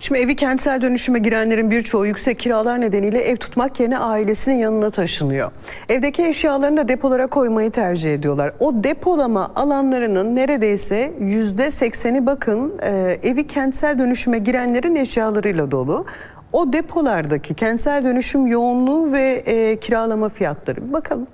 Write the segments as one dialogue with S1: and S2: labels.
S1: Şimdi evi kentsel dönüşüme girenlerin birçoğu yüksek kiralar nedeniyle ev tutmak yerine ailesinin yanına taşınıyor. Evdeki eşyalarını da depolara koymayı tercih ediyorlar. O depolama alanlarının neredeyse %80'i bakın evi kentsel dönüşüme girenlerin eşyalarıyla dolu. O depolardaki kentsel dönüşüm yoğunluğu ve kiralama fiyatları. Bakalım.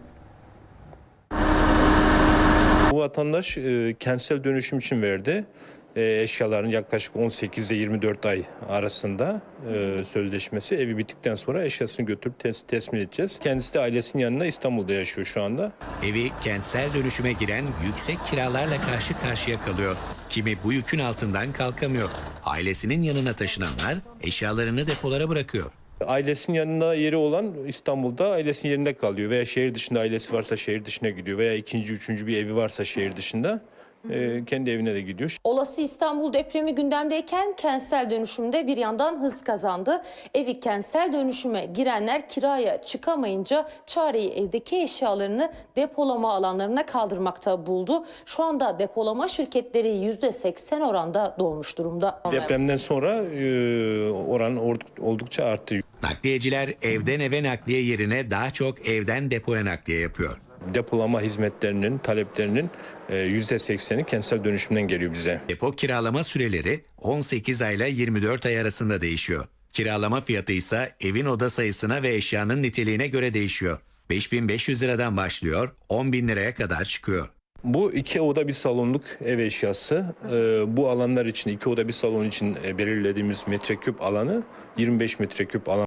S2: Bu vatandaş kentsel dönüşüm için verdi. Eşyaların yaklaşık 18 ile 24 ay arasında sözleşmesi. Evi bittikten sonra eşyasını götürüp teslim edeceğiz. Kendisi de ailesinin yanında İstanbul'da yaşıyor şu anda.
S3: Evi kentsel dönüşüme giren yüksek kiralarla karşı karşıya kalıyor. Kimi bu yükün altından kalkamıyor. Ailesinin yanına taşınanlar eşyalarını depolara bırakıyor.
S2: Ailesinin yanında yeri olan İstanbul'da ailesinin yerinde kalıyor. Veya şehir dışında ailesi varsa şehir dışına gidiyor. Veya ikinci, üçüncü bir evi varsa şehir dışında kendi evine de gidiyor.
S4: Olası İstanbul depremi gündemdeyken kentsel dönüşümde bir yandan hız kazandı. Evi kentsel dönüşüme girenler kiraya çıkamayınca çareyi evdeki eşyalarını depolama alanlarına kaldırmakta buldu. Şu anda depolama şirketleri %80 oranda dolmuş durumda.
S2: Depremden sonra oran oldukça arttı.
S3: Nakliyeciler evden eve nakliye yerine daha çok evden depoya nakliye yapıyor.
S2: Depolama hizmetlerinin, taleplerinin %80'i kentsel dönüşümden geliyor bize.
S3: Depo kiralama süreleri 18 ayla 24 ay arasında değişiyor. Kiralama fiyatı ise evin oda sayısına ve eşyanın niteliğine göre değişiyor. 5.500 liradan başlıyor, 10.000 liraya kadar çıkıyor.
S2: Bu 2 oda bir salonluk ev eşyası. Bu alanlar için 2 oda bir salon için belirlediğimiz metreküp alanı 25 metreküp alan.